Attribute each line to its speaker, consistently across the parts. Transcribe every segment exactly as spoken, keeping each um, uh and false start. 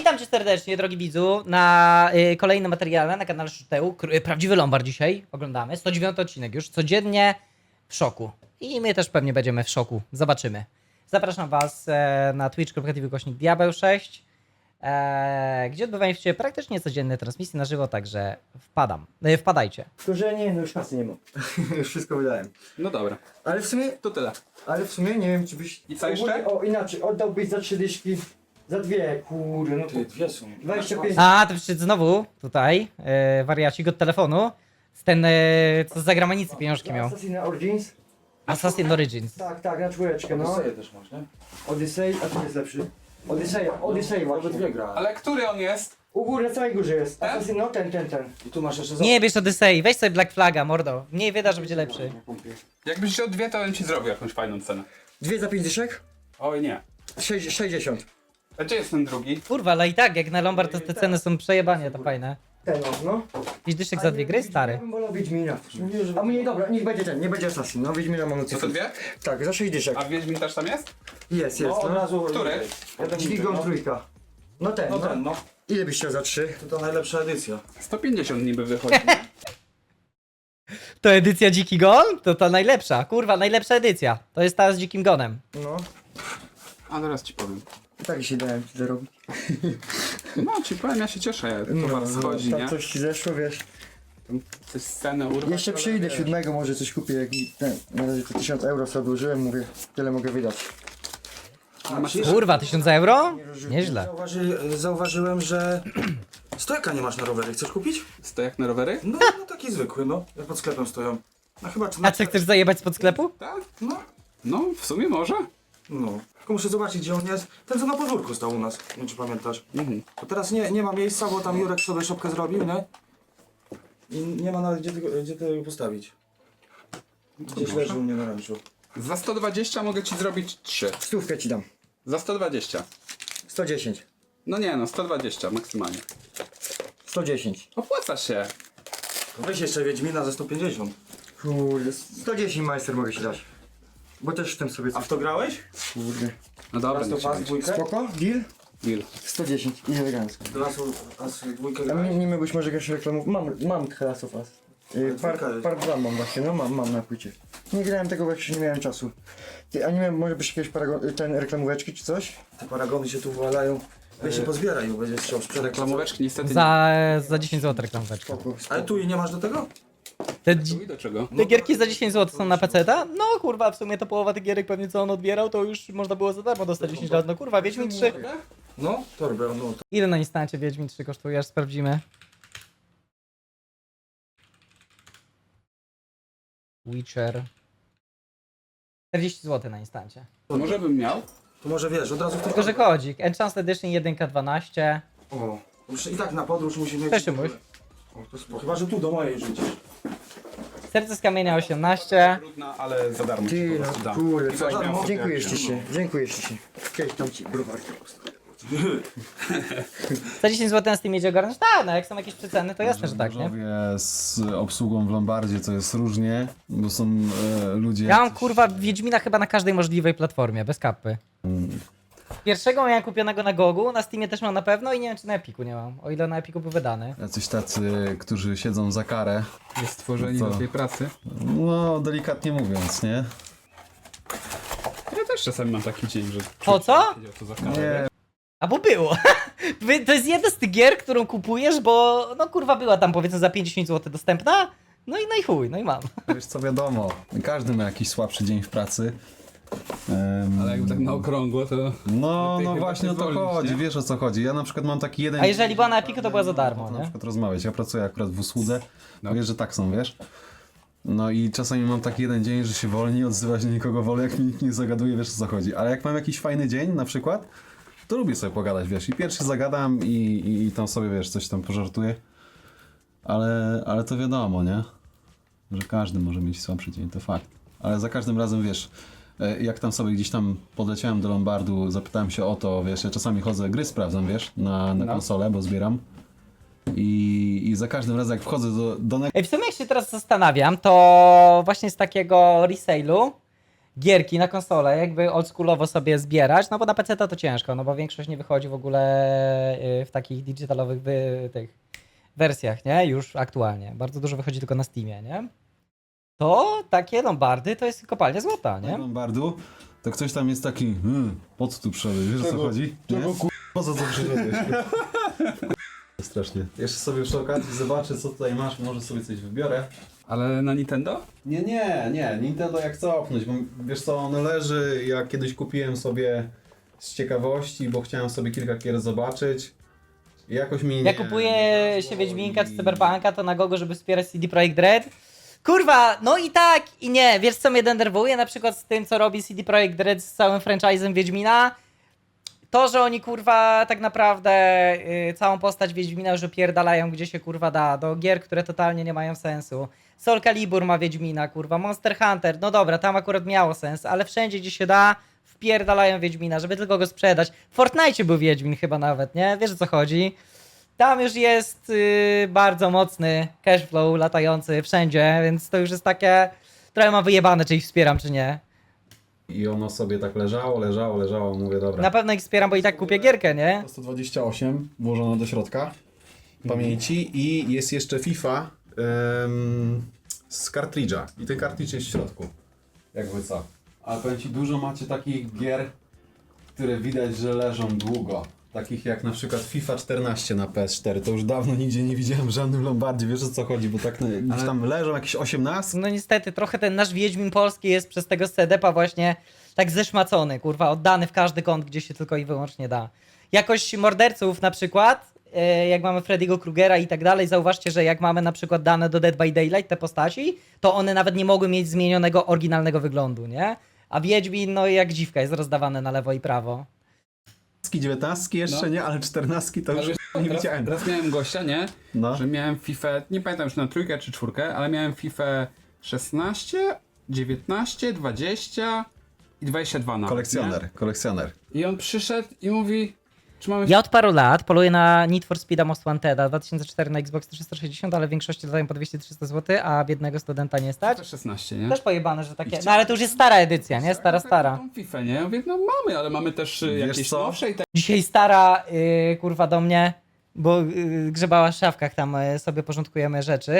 Speaker 1: witam cię serdecznie, drogi widzu, na y, kolejnym materiale na kanale Szuteł. K- Prawdziwy Lombard dzisiaj oglądamy. sto dziewiąty odcinek już, codziennie w szoku. I my też pewnie będziemy w szoku, zobaczymy. Zapraszam was e, na twitch kropka t v kośnik diabeł sześć, e, gdzie odbywają się praktycznie codzienne transmisje na żywo, także wpadam, e, wpadajcie.
Speaker 2: Tylko, że nie, no już kasy nie mam. Już wszystko wydałem.
Speaker 3: No dobra,
Speaker 2: Ale w sumie,
Speaker 3: to tyle.
Speaker 2: ale w sumie nie wiem, czy byś...
Speaker 3: I co jeszcze?
Speaker 2: O, inaczej, oddałbyś za trzy dyszki, za dwie, kurde, no
Speaker 4: Ty,
Speaker 2: to
Speaker 4: dwie są.
Speaker 2: dwadzieścia pięć.
Speaker 1: A, to przyszedł znowu tutaj e, wariacik od telefonu, z ten, e, co z zagranicy pieniążki miał.
Speaker 2: Assassin's Origins?
Speaker 1: Assassin's Origins.
Speaker 2: Tak, tak, na czwóreczkę, no.
Speaker 4: Odyseję też masz, nie?
Speaker 2: Odyssey, a co jest lepszy? Odyssey, Odyssey właśnie.
Speaker 4: Obydwie gra.
Speaker 3: Ale który on jest?
Speaker 2: U góry, na samej górze jest.
Speaker 3: Ten?
Speaker 2: Assassin, no ten, ten, ten.
Speaker 4: I tu masz jeszcze za...
Speaker 1: Nie bierz Odyssey, weź sobie Black Flaga, mordo. Mniej wyda, że będzie lepszy.
Speaker 3: Jakbyś wziął dwie, to bym ci zrobił jakąś fajną cenę.
Speaker 2: Dwie za pięć dyszek?
Speaker 3: Oj nie.
Speaker 2: Sześć- sześćdziesiąt.
Speaker 3: A gdzie jest ten drugi?
Speaker 1: Kurwa, ale i tak, jak na Lombard to te ceny są przejebanie, to fajne.
Speaker 2: Ten, no, no.
Speaker 1: Pięć dyszek za dwie gry,
Speaker 2: Ja
Speaker 1: stary.
Speaker 2: bym wolał Wiedźmina. A mnie, dobra, niech będzie ten, nie będzie Assassin, no Wiedźmina mamy
Speaker 3: Co to dwie?
Speaker 2: Tak, za sześć dyszek.
Speaker 3: A Wiedźmin też tam jest?
Speaker 2: Jest, jest,
Speaker 4: No, od
Speaker 2: no.
Speaker 4: razu...
Speaker 3: Który?
Speaker 4: Jeden
Speaker 2: Dźwigą
Speaker 4: no.
Speaker 2: trójka. No ten,
Speaker 4: No
Speaker 2: no.
Speaker 4: ten, no.
Speaker 2: Ile byś chciał za trzy?
Speaker 4: To ta najlepsza edycja.
Speaker 3: sto pięćdziesiąt niby wychodzi.
Speaker 1: To edycja Dziki Gon? To ta najlepsza, kurwa, najlepsza edycja. To jest ta z Dzikim Gonem.
Speaker 2: No.
Speaker 3: A teraz ci powiem.
Speaker 2: I tak się dałem ci zarobić.
Speaker 3: No ci powiem, ja się cieszę, jak towar schodzi,
Speaker 2: tak
Speaker 3: nie?
Speaker 2: coś ci zeszło, wiesz.
Speaker 3: Coś scenę urwać.
Speaker 2: Jeszcze
Speaker 3: ale
Speaker 2: przyjdę
Speaker 3: wiesz.
Speaker 2: siódmego, może coś kupię, jak mi ten, na razie to tysiąc euro sobie odłożyłem, mówię, tyle mogę wydać.
Speaker 3: A masz
Speaker 1: Kurwa, tysiąc euro? Nieźle.
Speaker 4: Zauważy, zauważyłem, że... Stojaka nie masz na rowery. Chcesz kupić?
Speaker 3: stojak na rowery?
Speaker 4: No, no taki zwykły, no. Jak pod sklepem stoją. No chyba...
Speaker 1: A co, chcesz zajebać spod sklepu?
Speaker 3: Tak?
Speaker 4: No.
Speaker 3: No, w sumie może.
Speaker 4: No. Tylko muszę zobaczyć, gdzie on jest. Ten, co na podwórku stał u nas. Nie wiem, czy pamiętasz.
Speaker 3: Mhm.
Speaker 4: Bo teraz nie, nie ma miejsca, bo tam Jurek sobie szopkę zrobił, nie? I nie ma nawet gdzie tego, gdzie tego postawić. Gdzieś
Speaker 3: może?
Speaker 4: leży u mnie na ranczu.
Speaker 3: Za sto dwadzieścia mogę ci zrobić trzy.
Speaker 2: Stówkę ci dam.
Speaker 3: Za sto dwadzieścia.
Speaker 2: sto dziesięć.
Speaker 3: No nie no, sto dwadzieścia maksymalnie.
Speaker 2: sto dziesięć.
Speaker 3: Opłaca się.
Speaker 4: Weź jeszcze Wiedźmina za sto pięćdziesiąt.
Speaker 2: Kurde, sto dziesięć majster mogę ci dać. Bo też w tym sobie
Speaker 4: A
Speaker 2: coś,
Speaker 4: w to grałeś?
Speaker 2: kurde.
Speaker 3: No dobra,
Speaker 4: Raz to
Speaker 3: niech się
Speaker 4: pas
Speaker 3: będzie.
Speaker 4: dwójkę?
Speaker 2: Spoko? Deal?
Speaker 3: Deal.
Speaker 2: sto dziesięć i elegancko.
Speaker 4: Raz, raz dwójkę
Speaker 2: A
Speaker 4: grałeś?
Speaker 2: nie, nie miałbyś może jakąś reklamę? Mam, mam Class of Us. Yy, par,
Speaker 4: dwójka.
Speaker 2: par dwa mam właśnie, no mam, mam na płycie. Nie grałem tego, bo jeszcze nie miałem czasu. Ty, a nie miałem, może byś jakieś paragon, ten reklamóweczki czy coś?
Speaker 4: Te paragony się tu wywalają. Weź się pozbieraj, bo będziesz chciał sprzedać.
Speaker 3: Reklamóweczki niestety
Speaker 1: Za, za dziesięć złotych reklamóweczka.
Speaker 2: Spoko, spoko.
Speaker 4: Ale tu i nie masz do tego?
Speaker 1: Te,
Speaker 3: nie.
Speaker 1: dzi-
Speaker 3: I do czego?
Speaker 1: te gierki za dziesięć złotych są na peceta? No kurwa, w sumie to połowa tych gierek pewnie co on odbierał, to już można było za darmo dostać dziesięć lat. No kurwa, Wiedźmin trzy.
Speaker 4: No, torbę, no. To...
Speaker 1: Ile na instancie Wiedźmin trzy kosztuje, aż sprawdzimy. Witcher. czterdzieści złotych na instancie.
Speaker 3: Może bym miał?
Speaker 4: to może wiesz, od razu w
Speaker 1: Tylko, że kodzik. Enchant Edition jeden dwanaście.
Speaker 4: O, już i tak na podróż musi mieć...
Speaker 1: Cześć, Szymuś.
Speaker 4: O, to spoko. Chyba, że tu do mojej rzucisz.
Speaker 1: Serce z kamienia osiemnaście.
Speaker 3: Trudna, ale za darmo ci
Speaker 2: Ty,
Speaker 3: po
Speaker 2: no
Speaker 3: prostu dam.
Speaker 2: kurde,
Speaker 3: I
Speaker 2: co,
Speaker 3: weźmiemy sobie
Speaker 2: dziękuję
Speaker 3: jak
Speaker 2: ci
Speaker 3: się-
Speaker 2: się, dziękuję ci się. Kiedyś tam ci browar.
Speaker 1: Za dziesięć złotych na Steamie idzie ogarnąć? Tak, no jak są jakieś przeceny, to jasne, że tak, nie?
Speaker 5: Bożowie z obsługą w Lombardzie to jest różnie, bo są e, ludzie...
Speaker 1: Ja mam
Speaker 5: jacyś-
Speaker 1: kurwa Wiedźmina chyba na każdej możliwej platformie, bez kapy. Pierwszego miałem kupionego na Gogu, na Steamie też mam na pewno i nie wiem czy na Epiku nie mam, o ile na Epiku był wydany.
Speaker 5: Jacyś tacy, którzy siedzą za karę,
Speaker 3: Jest stworzeni
Speaker 5: Co?
Speaker 3: do tej pracy.
Speaker 5: no delikatnie mówiąc, nie?
Speaker 3: Ja też czasami mam taki dzień, że...
Speaker 1: Po co?
Speaker 3: Siedział tu za karę,
Speaker 5: Nie,
Speaker 3: wiesz?
Speaker 1: A bo było. Wy- to jest jedna z tych gier, którą kupujesz, bo no kurwa była tam powiedzmy za pięćdziesiąt złotych dostępna, no i no i chuj, no i mam.
Speaker 5: wiesz co, wiadomo, każdy ma jakiś słabszy dzień w pracy. Em,
Speaker 3: Ale jakby tak na okrągło, to...
Speaker 5: No,
Speaker 3: lepiej
Speaker 5: no
Speaker 3: chyba
Speaker 5: właśnie o to
Speaker 3: wyzwolić,
Speaker 5: chodzi,
Speaker 3: nie?
Speaker 5: wiesz o co chodzi. Ja na przykład mam taki jeden...
Speaker 1: A jeżeli była na Epiku, to była za darmo,
Speaker 5: Na
Speaker 1: nie?
Speaker 5: przykład rozmawiać, ja pracuję akurat w usłudze,
Speaker 3: No.
Speaker 5: wiesz, że tak są, wiesz? No i czasami mam taki jeden dzień, że się wolniej odzywa się nikogo wolę, jak mi nikt nie zagaduje, wiesz o co chodzi. Ale jak mam jakiś fajny dzień na przykład, to lubię sobie pogadać, wiesz, i pierwszy zagadam i, i, i tam sobie, wiesz, coś tam pożartuję. Ale, ale to wiadomo, nie? Że każdy może mieć słabszy dzień, to fakt. Ale za każdym razem, wiesz, e, jak tam sobie gdzieś tam podleciałem do Lombardu, zapytałem się o to, wiesz, ja czasami chodzę, gry sprawdzam, wiesz, na, na
Speaker 3: No.
Speaker 5: konsolę, bo zbieram. I, I za każdym razem, jak wchodzę do, do
Speaker 1: Ej, w sumie jak się teraz zastanawiam, to właśnie z takiego resale'u gierki na konsolę, jakby oldschoolowo sobie zbierać, no bo na P C to to ciężko, no bo większość nie wychodzi w ogóle y, w takich digitalowych wy, tych wersjach, nie? Już aktualnie. Bardzo dużo wychodzi tylko na Steamie, nie? To takie lombardy to jest kopalnia złota, nie?
Speaker 5: Lombardu, to ktoś tam jest taki, hmm, po co tu przyszedłeś, wiesz o co chodzi? Nie? Po co tu przyszedłeś? Strasznie. Jeszcze sobie przy okazji zobaczę, co tutaj masz, może sobie coś wybiorę.
Speaker 3: Ale na Nintendo?
Speaker 5: Nie, nie, nie, Nintendo jak cofnąć, bo wiesz co, on leży, ja kiedyś kupiłem sobie z ciekawości, bo chciałem sobie kilka gier zobaczyć. I jakoś mi nie...
Speaker 1: Jak kupuję
Speaker 5: nie
Speaker 1: się
Speaker 5: weszło
Speaker 1: Wiedźminka czy
Speaker 5: i-
Speaker 1: Cyberpunka, to na gogo, żeby wspierać C D Projekt Red. Kurwa, no i tak, i nie. Wiesz co mnie denerwuje na przykład z tym, co robi C D Projekt Red z całym franchise'em Wiedźmina? To, że oni kurwa tak naprawdę y, całą postać Wiedźmina już opierdalają gdzie się kurwa da, do gier, które totalnie nie mają sensu. Soul Calibur ma Wiedźmina, kurwa, Monster Hunter, no dobra, tam akurat miało sens, ale wszędzie gdzie się da, wpierdalają Wiedźmina, żeby tylko go sprzedać. W Fortnite był Wiedźmin chyba nawet, nie? Wiesz o co chodzi? Tam już jest y, bardzo mocny cashflow latający wszędzie, więc to już jest takie, trochę mam wyjebane, czy ich wspieram, czy nie.
Speaker 5: I ono sobie tak leżało, leżało, leżało, mówię dobra.
Speaker 1: Na pewno ich wspieram, bo i tak kupię gierkę, nie?
Speaker 5: sto dwadzieścia osiem włożone do środka pamięci i jest jeszcze FIFA em, z kartridża. I ten kartridż jest w środku. Jakby co. Ale powiem ci, dużo macie takich gier, które widać, że leżą długo. Takich jak na przykład FIFA czternaście na P S cztery. To już dawno nigdzie nie widziałem w żadnym lombardzie. Wiesz o co chodzi, bo tak no, gdzieś tam leżą jakieś osiemnastki.
Speaker 1: No niestety, trochę ten nasz Wiedźmin polski jest przez tego C D P-a właśnie tak zeszmacony, kurwa, oddany w każdy kąt, gdzie się tylko i wyłącznie da. Jakoś morderców na przykład, e, jak mamy Freddy'ego Krugera i tak dalej, zauważcie, że jak mamy na przykład dane do Dead by Daylight, te postaci, to one nawet nie mogły mieć zmienionego oryginalnego wyglądu, nie? A Wiedźmin, no jak dziwka, jest rozdawany na lewo i prawo.
Speaker 5: dziewiętnastki jeszcze
Speaker 3: No.
Speaker 5: nie, ale czternastki to
Speaker 3: Ale
Speaker 5: już
Speaker 3: wiesz,
Speaker 5: nie
Speaker 3: raz,
Speaker 5: widziałem.
Speaker 3: raz miałem gościa, nie?
Speaker 5: No.
Speaker 3: Że miałem FIFA, nie pamiętam już na trójkę czy czwórkę, ale miałem FIFA szesnaście, dziewiętnaście, dwadzieścia i dwadzieścia dwa nawet.
Speaker 5: Kolekcjoner, kolekcjoner.
Speaker 3: Nie? I on przyszedł i mówi, czy mamy
Speaker 1: Ja od paru lat poluję na Need for Speeda Most Wanteda dwa tysiące cztery na Xbox trzysta sześćdziesiąt, ale w większości dodają po dwieście trzysta złotych, a biednego studenta nie stać.
Speaker 3: FIFA szesnaście, nie?
Speaker 1: Też pojebane, że takie. No ale to już jest stara edycja, nie? Stara, stara.
Speaker 3: Tą FIFA, nie? Ja mówię, no mamy, ale mamy też y,
Speaker 5: Wiesz
Speaker 3: jakieś
Speaker 5: co?
Speaker 3: nowsze i tak.
Speaker 1: Dzisiaj stara, yy, kurwa, do mnie, bo yy, grzebała w szafkach, tam yy, sobie porządkujemy rzeczy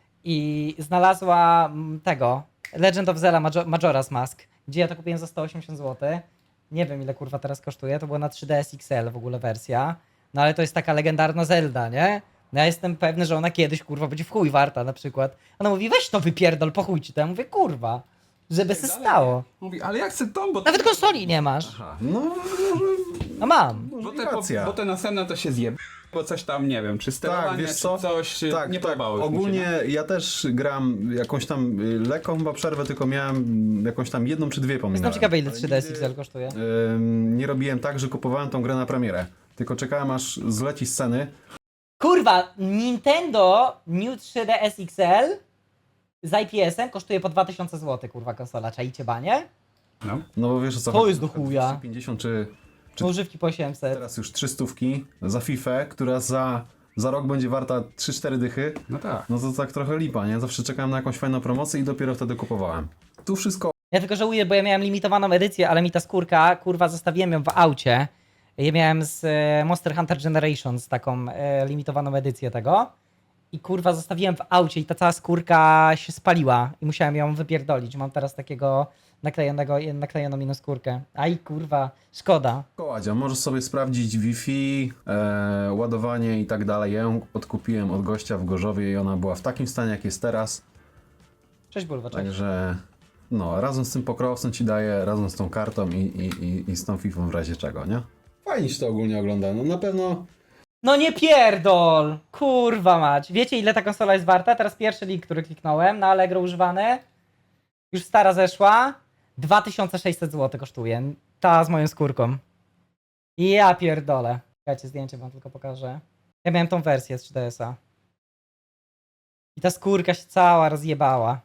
Speaker 1: i znalazła mm, tego, Legend of Zelda Major- Majora's Mask, gdzie ja to kupiłem za sto osiemdziesiąt złotych. Nie wiem ile kurwa teraz kosztuje, to była na trzy D S X L w ogóle wersja, no ale to jest taka legendarna Zelda, nie? No ja jestem pewny, że ona kiedyś kurwa będzie w chuj warta na przykład. Ona mówi, weź to wypierdol, po chuj ci to. Ja mówię, kurwa, żeby se
Speaker 3: dalej,
Speaker 1: stało.
Speaker 3: Mówi, ale jak chcę tą, bo...
Speaker 1: Nawet konsoli nie masz.
Speaker 5: Aha, no może,
Speaker 1: No mam.
Speaker 3: Bo
Speaker 5: może
Speaker 3: te, bo,
Speaker 5: racja.
Speaker 3: bo te następne to się zje, bo coś tam, nie wiem, czy sterowanie,
Speaker 5: Tak, wiesz
Speaker 3: czy
Speaker 5: co?
Speaker 3: coś y,
Speaker 5: Tak,
Speaker 3: nie
Speaker 5: tak.
Speaker 3: podobało już mi się,
Speaker 5: Ogólnie ja też gram jakąś tam y, lekką chyba przerwę, tylko miałem jakąś tam jedną czy dwie pominąłem.
Speaker 1: Jestem ciekawy ile
Speaker 5: Ale
Speaker 1: trzy D S
Speaker 5: nigdy,
Speaker 1: X L kosztuje.
Speaker 5: ym, nie robiłem tak, że kupowałem tą grę na premierę. Tylko czekałem aż zleci sceny.
Speaker 1: Kurwa, Nintendo New trzy D S X L z I P S-em kosztuje po dwa tysiące złotych, kurwa, konsola. Czajcie banie?
Speaker 3: No.
Speaker 5: No bo wiesz o co
Speaker 1: To
Speaker 5: chodzi.
Speaker 1: jest do chuja.
Speaker 5: dwieście pięćdziesiąt czy Czy-
Speaker 1: Używki po osiemset.
Speaker 5: teraz już trzy stówki za FIFA, która za, za rok będzie warta trzy cztery dychy.
Speaker 3: No tak.
Speaker 5: No to tak trochę lipa, nie? Zawsze czekałem na jakąś fajną promocję i dopiero wtedy kupowałem. Tu wszystko
Speaker 1: Ja tylko żałuję, bo ja miałem limitowaną edycję, ale mi ta skórka, kurwa, zostawiłem ją w aucie. Ja miałem z e, Monster Hunter Generations taką e, limitowaną edycję tego. I kurwa, zostawiłem w aucie i ta cała skórka się spaliła i musiałem ją wypierdolić. Mam teraz takiego naklejonego, naklejoną inną skórkę. Aj kurwa, szkoda.
Speaker 5: koładzia. Możesz sobie sprawdzić Wi-Fi, e, ładowanie i tak dalej. Ja ją odkupiłem od gościa w Gorzowie i ona była w takim stanie, jak jest teraz.
Speaker 1: Cześć Bulwa, cześć.
Speaker 5: Także no, razem z tym pokrowcem ci daję, razem z tą kartą i, i, i, i z tą Fifą w razie czego, nie? Fajnie się to ogólnie ogląda. No na pewno
Speaker 1: No nie pierdol! Kurwa mać. Wiecie ile ta konsola jest warta? Teraz pierwszy link, który kliknąłem na Allegro używany. Już stara zeszła. dwa tysiące sześćset złotych kosztuje. Ta z moją skórką. Ja pierdolę. Czekajcie, zdjęcie wam tylko pokażę. Ja miałem tą wersję z trzy D S-a. I ta skórka się cała rozjebała.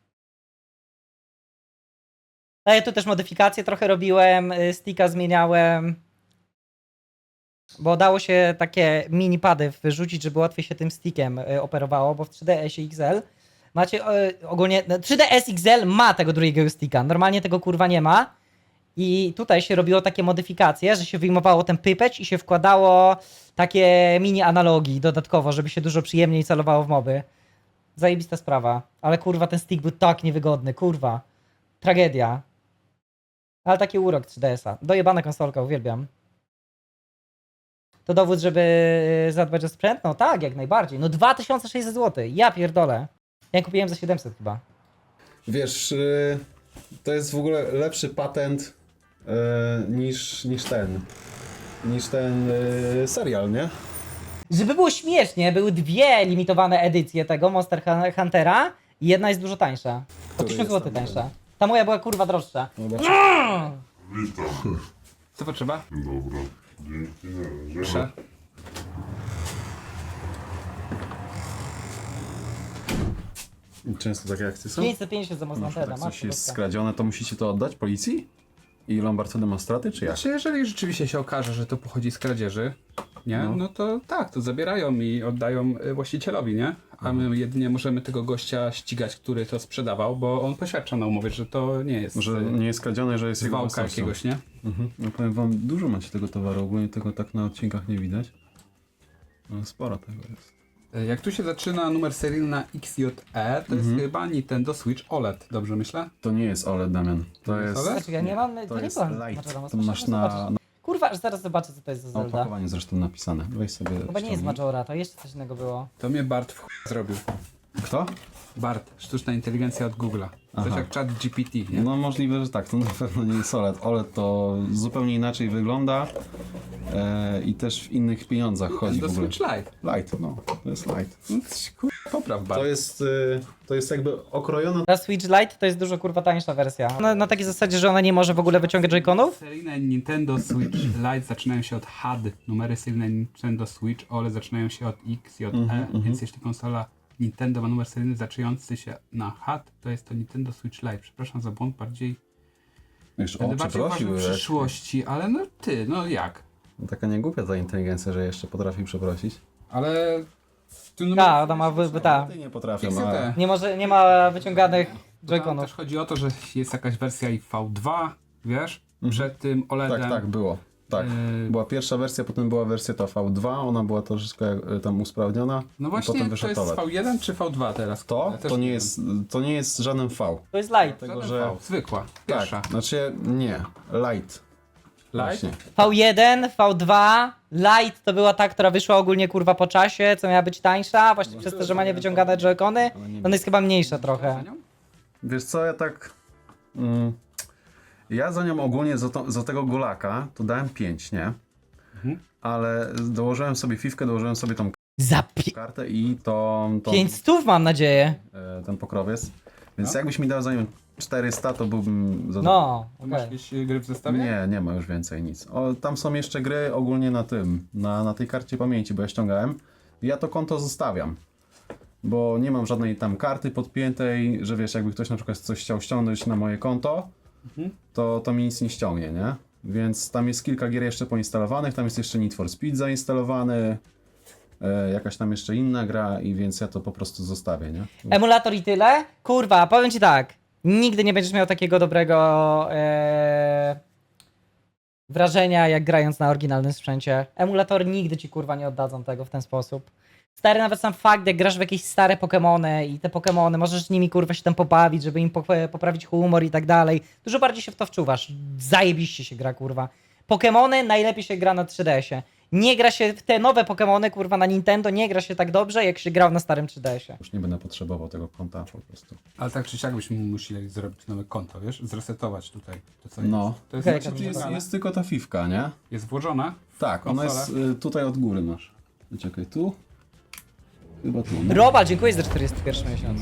Speaker 1: No ja tu też modyfikacje trochę robiłem. y, Sticka zmieniałem. Bo dało się takie mini pady wyrzucić, żeby łatwiej się tym stickiem y, operowało, bo w trzy D S X L Macie e, ogólnie, no, trzy D S X L ma tego drugiego sticka, normalnie tego kurwa nie ma. I tutaj się robiło takie modyfikacje, że się wyjmowało ten pypeć i się wkładało takie mini analogi dodatkowo, żeby się dużo przyjemniej celowało w moby. Zajebista sprawa. Ale kurwa ten stick był tak niewygodny, kurwa. Tragedia. Ale taki urok trzy D S-a. Dojebana konsolka, uwielbiam. To dowód, żeby zadbać o sprzęt? No tak, jak najbardziej. No dwa tysiące sześćset złotych. Ja pierdolę. Ja kupiłem za siedemset chyba.
Speaker 5: Wiesz, y, to jest w ogóle lepszy patent y, niż, niż ten, niż ten y, serial, nie?
Speaker 1: Żeby było śmiesznie, były dwie limitowane edycje tego Monster Hun- Huntera i jedna jest dużo tańsza. O
Speaker 5: Który
Speaker 1: tysiąc
Speaker 5: jest
Speaker 1: złotych
Speaker 5: tam?
Speaker 1: tańsza. Ta moja była kurwa droższa.
Speaker 5: Zobacz.
Speaker 3: Co potrzeba?
Speaker 6: Dobra, dzięki, na razie.
Speaker 3: Proszę.
Speaker 5: Często takie akcje są?
Speaker 1: pięćset pięćdziesiąt za Monster
Speaker 5: Jak
Speaker 1: Huntera,
Speaker 5: coś
Speaker 1: matko
Speaker 5: jest
Speaker 1: boska.
Speaker 5: skradzione, to musicie to oddać policji? I Lombard wtedy ma straty, czy jak?
Speaker 3: Znaczy, jeżeli rzeczywiście się okaże, że to pochodzi z kradzieży, nie? No,
Speaker 5: No.
Speaker 3: to tak, to zabierają i oddają y, właścicielowi, nie? A my jedynie możemy tego gościa ścigać, który to sprzedawał, bo on poświadcza na umowie, że to nie jest
Speaker 5: Że
Speaker 3: y,
Speaker 5: nie jest skradzione, że jest jego
Speaker 3: zwałka
Speaker 5: własnością.
Speaker 3: jakiegoś, nie?
Speaker 5: Mhm. No powiem wam, dużo macie tego towaru, ogólnie tego tak na odcinkach nie widać. No sporo tego jest.
Speaker 3: Y, Jak tu się zaczyna numer seryjny na X J E, to jest chyba Nintendo Switch O L E D, dobrze myślę?
Speaker 5: To nie jest O L E D, Damian. To
Speaker 3: jest
Speaker 5: jest...
Speaker 3: O L E D?
Speaker 1: Znaczy, ja nie mam, to,
Speaker 5: To
Speaker 1: nie
Speaker 5: jest
Speaker 1: byłam
Speaker 5: light.
Speaker 1: Majora's Mask,
Speaker 5: To
Speaker 1: muszę
Speaker 5: masz na,
Speaker 1: zobaczyć.
Speaker 5: na
Speaker 1: Kurwa, aż zaraz zobaczę, co to jest za Zelda.
Speaker 5: opakowaniu zresztą napisane. Weź sobie...
Speaker 1: Chyba nie jest
Speaker 5: ściągnij.
Speaker 1: Majora, to jeszcze coś innego było.
Speaker 3: To mnie Bart w chuj zrobił.
Speaker 5: Kto?
Speaker 3: Bart, sztuczna inteligencja od Google'a. Coś
Speaker 5: Aha.
Speaker 3: jak chat G P T, nie?
Speaker 5: No możliwe, że tak, to na pewno nie jest O L E D. O L E D to zupełnie inaczej wygląda e, i też w innych pieniądzach chodzi
Speaker 3: Do
Speaker 5: w ogóle.
Speaker 3: Switch Lite.
Speaker 5: Light, no, to jest light.
Speaker 3: No, kur... Popraw Bart.
Speaker 5: To jest, y, to jest jakby okrojona...
Speaker 1: Ta Switch Lite to jest dużo kurwa tańsza wersja. Na, na takiej zasadzie, że ona nie może w ogóle wyciągać joyconów?
Speaker 3: Seryjne Nintendo Switch Lite zaczynają się od H D. Numery seryjne Nintendo Switch O L E D zaczynają się od X J E,
Speaker 5: Mhm,
Speaker 3: więc jeśli konsola Nintendo ma numer seryjny zaczynający się na H D, to jest to Nintendo Switch Lite. Przepraszam za błąd, bardziej
Speaker 5: Już, o,
Speaker 3: będę bardziej uważał
Speaker 5: przeprosił.
Speaker 3: w
Speaker 5: jak-
Speaker 3: przyszłości, ale no ty, no jak?
Speaker 5: Taka niegłupia ta inteligencja, że jeszcze potrafi przeprosić.
Speaker 3: Ale... Tu numer
Speaker 1: Tak, ona ma wy, wy, ta.
Speaker 5: Ty nie potrafią,
Speaker 3: X J
Speaker 5: ale...
Speaker 3: E.
Speaker 1: Nie może, nie ma wyciąganych
Speaker 3: Tam
Speaker 1: joyconów.
Speaker 3: też chodzi o to, że jest jakaś wersja i V dwa, wiesz, przed tym O L E D-em.
Speaker 5: Tak, tak, było. Tak.
Speaker 3: Yy,
Speaker 5: Była pierwsza wersja, potem była wersja ta V dwa, ona była troszeczkę e, tam usprawniona.
Speaker 3: No
Speaker 5: i
Speaker 3: właśnie,
Speaker 5: potem
Speaker 3: to
Speaker 5: wyszedł
Speaker 3: jest
Speaker 5: O L E D.
Speaker 3: V jeden czy V dwa teraz?
Speaker 5: To,
Speaker 3: Ja też
Speaker 5: to, nie
Speaker 3: wiem.
Speaker 5: jest, to nie jest żaden V.
Speaker 1: To jest Lite.
Speaker 5: Dlatego,
Speaker 3: Żaden
Speaker 5: że...
Speaker 3: V, zwykła, pierwsza.
Speaker 5: Tak, znaczy nie, light.
Speaker 3: Light?
Speaker 5: Właśnie.
Speaker 1: V jeden, V dwa, Lite to była ta, która wyszła ogólnie kurwa po czasie, co miała być tańsza, właśnie przez to, że ma niewyciągane joycony. Ona jest chyba mniejsza trochę.
Speaker 5: Wiesz co, ja tak... Mm, ja za nią ogólnie, za, to, za tego golaka, to dałem pięć, nie? Ale dołożyłem sobie fifkę, dołożyłem sobie tą
Speaker 1: Za pi-
Speaker 5: kartę i tą, tą
Speaker 1: pięć stów mam nadzieję.
Speaker 5: e, ten pokrowiec. Więc
Speaker 3: No.
Speaker 5: jakbyś mi dał za nią czterysta, to byłbym zadowolony.
Speaker 1: No,
Speaker 3: Masz
Speaker 1: okej.
Speaker 3: jakieś y, gry w zestawie?
Speaker 5: Nie, nie ma już więcej nic. O, tam są jeszcze gry ogólnie na tym, na, na tej karcie pamięci, bo ja ściągałem. I ja to konto zostawiam. Bo nie mam żadnej tam karty podpiętej, że wiesz, jakby ktoś na przykład coś chciał ściągnąć na moje konto, to, to mi nic nie ściągnie, nie? Więc tam jest kilka gier jeszcze poinstalowanych, tam jest jeszcze Need for Speed zainstalowany, e, jakaś tam jeszcze inna gra i więc ja to po prostu zostawię, nie?
Speaker 1: Emulator i tyle? Kurwa, powiem ci tak. Nigdy nie będziesz miał takiego dobrego e, wrażenia, jak grając na oryginalnym sprzęcie. Emulatory nigdy ci kurwa nie oddadzą tego w ten sposób. Stary, nawet sam fakt, jak grasz w jakieś stare Pokemony i te Pokemony, możesz z nimi kurwa się tam pobawić, żeby im po- poprawić humor i tak dalej. Dużo bardziej się w to wczuwasz. Zajebiście się gra, kurwa. Pokemony najlepiej się gra na trzy D S ie. Nie gra się w te nowe Pokemony, kurwa, na Nintendo, nie gra się tak dobrze, jak się grał na starym trzy D S ie.
Speaker 5: Już nie będę potrzebował tego konta po prostu.
Speaker 3: Ale tak czy siak byśmy musieli zrobić nowe konto, wiesz? Zresetować tutaj to, co
Speaker 5: No.
Speaker 3: jest. To jest,
Speaker 1: Okej,
Speaker 3: znaczy,
Speaker 5: Tu jest,
Speaker 3: jest,
Speaker 5: jest tylko ta fifka, nie?
Speaker 3: jest włożona.
Speaker 5: Tak, ona jest y, tutaj od góry masz. Czekaj, tu? Chyba tu. No,
Speaker 1: Robal, dziękuję za czterdziesty pierwszy miesiąc.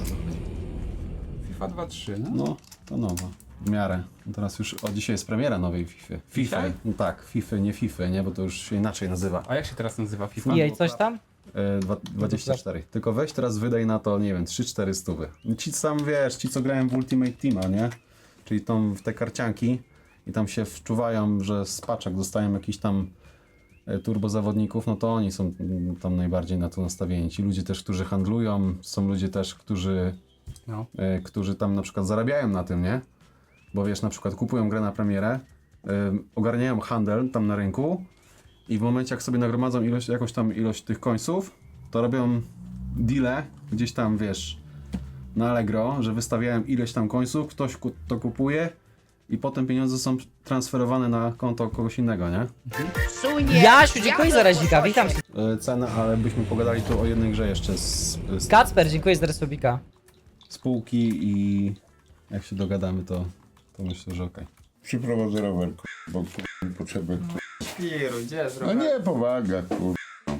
Speaker 3: FIFA dwa trzy, no.
Speaker 5: no to nowa. W miarę. No teraz już, o dzisiaj jest premiera nowej FIFA. FIFA.
Speaker 3: Dzisiaj?
Speaker 5: No tak, FIFA, nie FIFA, nie? Bo to już się inaczej nazywa.
Speaker 3: A jak się teraz nazywa FIFA?
Speaker 1: Jej, coś tam?
Speaker 5: E, dwa- dwadzieścia cztery. Tylko weź teraz wydaj na to, nie wiem, trzy cztery stówy. Ci sam wiesz, ci co grają w Ultimate Teama, nie? Czyli tą, w te karcianki i tam się wczuwają, że z paczek dostają jakiś tam e, turbozawodników, no to oni są mm, tam najbardziej na to nastawieni. Ci ludzie też, którzy handlują, są ludzie też, którzy
Speaker 3: No.
Speaker 5: e, którzy tam na przykład zarabiają na tym, nie? Bo wiesz, na przykład kupują grę na premierę, e, ogarniają handel tam na rynku i w momencie jak sobie nagromadzą ilość, jakąś tam ilość tych końców, to robią deale gdzieś tam, wiesz, na Allegro, że wystawiają ileś tam końców, ktoś ku- to kupuje i potem pieniądze są transferowane na konto kogoś innego, nie?
Speaker 1: Jasiu, dziękuję za razika, witam cię.
Speaker 5: E, Cena, ale byśmy pogadali tu o jednej grze jeszcze z, z
Speaker 1: Kacper, dziękuję za resubika.
Speaker 5: spółki i jak się dogadamy, to, to myślę, że okej.
Speaker 6: Przyprowadzę rower, kur... bo kur... mi potrzebę. Kur...
Speaker 4: Piru, gdzie jest
Speaker 6: No nie, powaga, kur...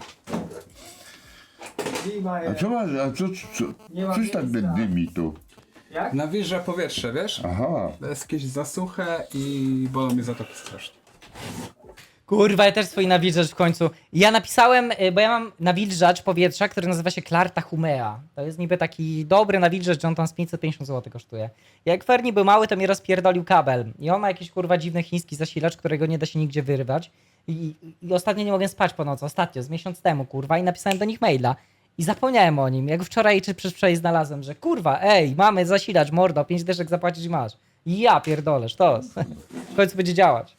Speaker 6: A co masz, a co, co,
Speaker 4: Nie ma
Speaker 6: coś tak
Speaker 4: miejsca.
Speaker 6: dymi tu?
Speaker 4: Jak?
Speaker 3: Nawilża powietrze, wiesz?
Speaker 6: Aha,
Speaker 3: Jest jakieś zasuche i bolą mnie zatoki strasznie.
Speaker 1: Kurwa, ja też swój nawilżacz w końcu. Ja napisałem, y, bo ja mam nawilżacz powietrza, który nazywa się Clarta Humea. To jest niby taki dobry nawilżacz, że on tam z pięćset pięćdziesiąt złotych kosztuje. Jak Ferni był mały, to mi rozpierdolił kabel. I on ma jakiś kurwa dziwny chiński zasilacz, którego nie da się nigdzie wyrywać. I, i, i ostatnio nie mogłem spać po nocy, ostatnio, z miesiąc temu, kurwa, i napisałem do nich maila. I zapomniałem o nim, jak wczoraj czy przedwczoraj znalazłem, że kurwa, ej, mamy zasilacz, mordo, pięć dyszek zapłacić i masz. I ja pierdolę, sztos. W końcu będzie działać.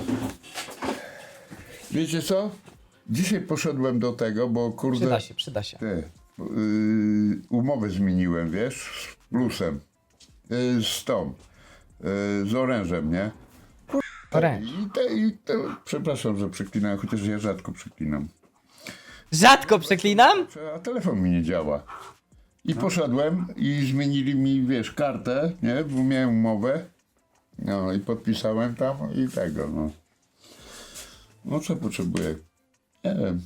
Speaker 6: wiecie co? Dzisiaj poszedłem do tego, bo kurde...
Speaker 1: Przyda się, przyda się.
Speaker 6: Ty, yy, umowę zmieniłem, wiesz, z plusem. Yy, z tą. Yy, z orężem, nie?
Speaker 1: Oręż.
Speaker 6: I te, i te, przepraszam, że przeklinam, chociaż ja rzadko przeklinam.
Speaker 1: Rzadko przeklinam?
Speaker 6: A telefon mi nie działa. I poszedłem i zmienili mi, wiesz, kartę, nie? Bo miałem umowę. No i podpisałem tam i tego, no. No co potrzebuję? Nie wiem.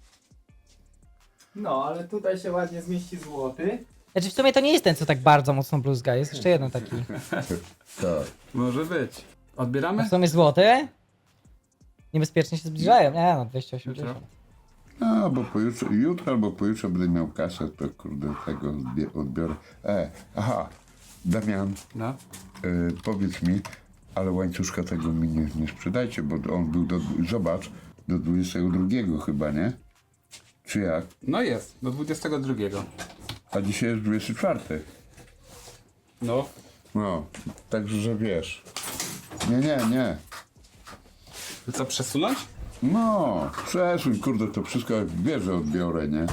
Speaker 4: No, ale tutaj się ładnie zmieści złoty.
Speaker 1: Znaczy w sumie to nie jest ten, co tak bardzo mocno bluzga, jest jeszcze jeden taki.
Speaker 6: Tak.
Speaker 3: Może być.
Speaker 1: A
Speaker 3: Odbieramy?
Speaker 1: w sumie złoty? Niebezpiecznie się zbliżają, nie no, dwieście osiemdziesiąt.
Speaker 6: No, bo pojutrze, jutro albo pojutrze będę miał kasę, to kurde tego odbie- odbiorę. E, aha, Damian,
Speaker 3: No.
Speaker 6: y, powiedz mi, ale łańcuszka tego mi nie, nie sprzedajcie, bo on był do, zobacz, do dwudziestego drugiego chyba, nie? Czy jak?
Speaker 3: No jest, do dwudziestego drugiego.
Speaker 6: A dzisiaj jest dwudziesty czwarty.
Speaker 3: No.
Speaker 6: No, także, że wiesz. Nie, nie, nie.
Speaker 3: To co, przesunąć?
Speaker 6: No, przesuń, kurde, to wszystko jak wiesz, że odbiorę, nie?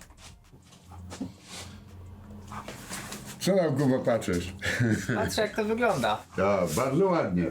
Speaker 6: Co tam, Kuba, patrzysz?
Speaker 4: Patrzę jak to wygląda.
Speaker 6: Tak, bardzo ładnie.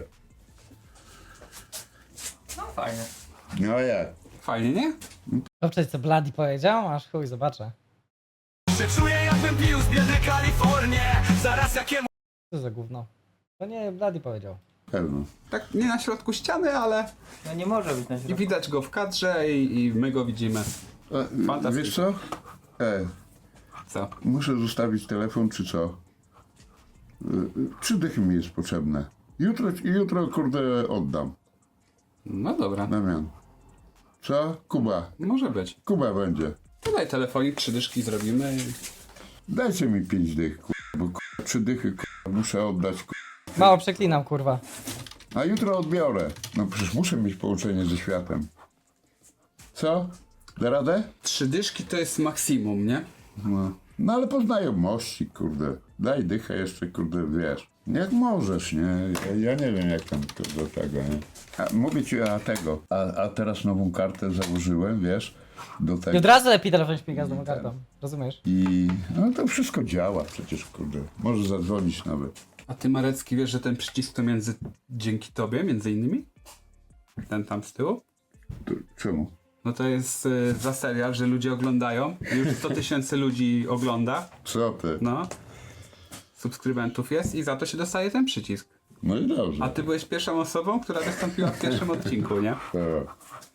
Speaker 4: No fajnie.
Speaker 6: No jak?
Speaker 3: Fajnie, nie?
Speaker 1: Dobrze, co Bloody powiedział? Aż chuj, zobaczę.
Speaker 7: Że czuję jakbym pił z biednej Kalifornię. Zaraz jakiemu
Speaker 1: Co za gówno? To nie Bloody powiedział.
Speaker 6: Pewno.
Speaker 3: Tak nie na środku ściany, ale
Speaker 4: No nie może być na
Speaker 3: i
Speaker 4: środku.
Speaker 3: widać go w kadrze i, i my go widzimy.
Speaker 6: E,
Speaker 3: Fantastycznie.
Speaker 6: wiesz co? E,
Speaker 3: Co?
Speaker 6: muszę zostawić telefon, czy co? E, trzy dychy mi jest potrzebne. Jutro, jutro, kurde, oddam.
Speaker 3: No dobra,
Speaker 6: Damian. Co? Kuba.
Speaker 3: może być.
Speaker 6: Kuba będzie.
Speaker 3: Tutaj telefonik, trzy dyszki zrobimy i...
Speaker 6: Dajcie mi pięć dych, kurwa, bo kurwa, trzy dychy, kurwa, muszę oddać, kurwa.
Speaker 1: Mało przeklinam, kurwa.
Speaker 6: A jutro odbiorę. No przecież muszę mieć połączenie ze światem. Co? Da radę?
Speaker 3: Trzy dyszki to jest maksimum, nie?
Speaker 6: No. No ale po znajomości, kurde. Daj dychę jeszcze, kurde, wiesz. Jak możesz, nie? Ja, ja nie wiem, jak tam do tego, nie? A, mówię ci, a tego. A, a teraz nową kartę założyłem, wiesz, do
Speaker 1: I od
Speaker 6: tego.
Speaker 1: razu lepiej telefon śmiga z tą kartą. Rozumiesz?
Speaker 6: I no to wszystko działa przecież, kurde. Może zadzwonić nawet.
Speaker 3: A ty, Marecki, wiesz, że ten przycisk to między... dzięki tobie, między innymi? Ten tam z tyłu?
Speaker 6: To, czemu?
Speaker 3: No to jest y, za serial, że ludzie oglądają. Już sto tysięcy ludzi ogląda.
Speaker 6: Co ty?
Speaker 3: No. Subskrybentów jest i za to się dostaje ten przycisk.
Speaker 6: No i dobrze.
Speaker 3: A ty byłeś pierwszą osobą, która wystąpiła w pierwszym odcinku, nie?
Speaker 6: Tak.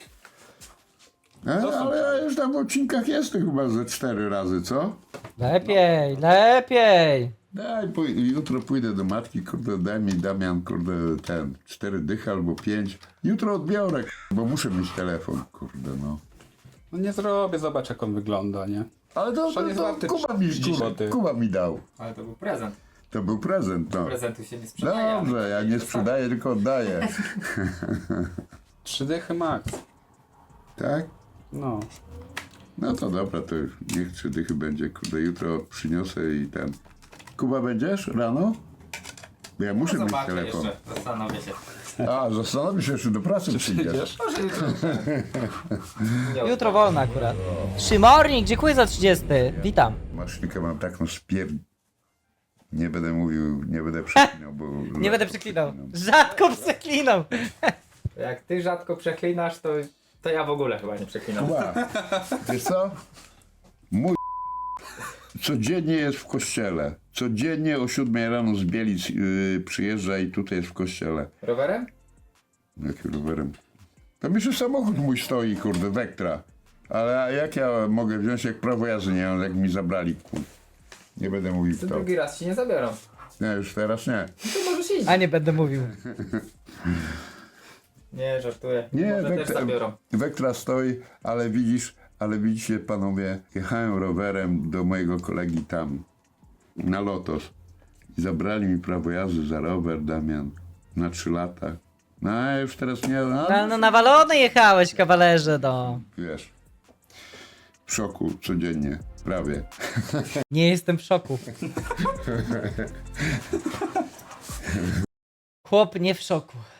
Speaker 6: E,
Speaker 3: To są
Speaker 6: ale ja już tam w odcinkach jestem chyba ze cztery razy, co?
Speaker 1: Lepiej, lepiej!
Speaker 6: Daj, pój- jutro pójdę do matki, kurde, daj mi Damian, kurde, ten, cztery dychy albo pięć. Jutro odbiorę, k- bo muszę mieć telefon, kurde, no.
Speaker 3: No nie zrobię, zobacz jak on wygląda, nie?
Speaker 6: Ale to,
Speaker 3: On
Speaker 6: to,
Speaker 3: jest
Speaker 6: to
Speaker 3: warty
Speaker 6: Kuba, mi,
Speaker 3: trzydzieści
Speaker 6: Kuba,
Speaker 3: złotych.
Speaker 6: Kuba mi dał.
Speaker 4: Ale to był prezent.
Speaker 6: To był prezent, no.
Speaker 4: Prezentu się nie sprzedaje. ale
Speaker 6: Dobrze, ja nie sprzedaję, tylko oddaję.
Speaker 3: Trzy dychy max.
Speaker 6: Tak?
Speaker 3: No.
Speaker 6: No to dobra, to już niech trzy dychy będzie, kurde, jutro przyniosę i ten. Kuba, będziesz rano? Bo ja muszę mieć
Speaker 8: Zobaczę
Speaker 6: telefon.
Speaker 8: jeszcze, zastanowię się.
Speaker 6: A, zastanowisz się, czy do pracy przyjdziesz.
Speaker 8: Może jutro. Nie
Speaker 1: Jutro wolno akurat. Szymornik, dziękuję za trzydziesty. Witam.
Speaker 6: Maszynkę mam taką spier... Nie będę mówił, nie będę przeklinał, bo...
Speaker 1: Nie będę przeklinał. Rzadko przeklinał.
Speaker 8: Jak ty rzadko przeklinasz, to, to ja w ogóle chyba nie przeklinam.
Speaker 6: Kuba, wiesz co? Mój codziennie jest w kościele. Codziennie o siódmej rano z Bielic yy, przyjeżdża i tutaj jest w kościele.
Speaker 8: Rowerem?
Speaker 6: Jakim rowerem? Tam jeszcze samochód mój stoi, kurde, Vectra. Ale jak ja mogę wziąć, jak prawo jazdy nie mam, jak mi zabrali, kurde. Nie będę mówił
Speaker 8: To
Speaker 6: kto.
Speaker 8: drugi raz ci nie zabiorą.
Speaker 6: Nie, już teraz nie.
Speaker 8: No to możesz iść.
Speaker 1: A nie będę mówił.
Speaker 8: Nie, żartuję.
Speaker 6: Nie,
Speaker 8: Może też
Speaker 6: Vectra,
Speaker 8: zabiorą.
Speaker 6: Vectra stoi, ale widzisz, ale widzicie panowie, jechałem rowerem do mojego kolegi tam, na Lotos. I zabrali mi prawo jazdy za rower, Damian, na trzy lata. No a już teraz nie, no,
Speaker 1: No, no nawalony jechałeś, kawalerze, no.
Speaker 6: wiesz, w szoku codziennie, prawie.
Speaker 1: Nie jestem w szoku. Chłop nie w szoku.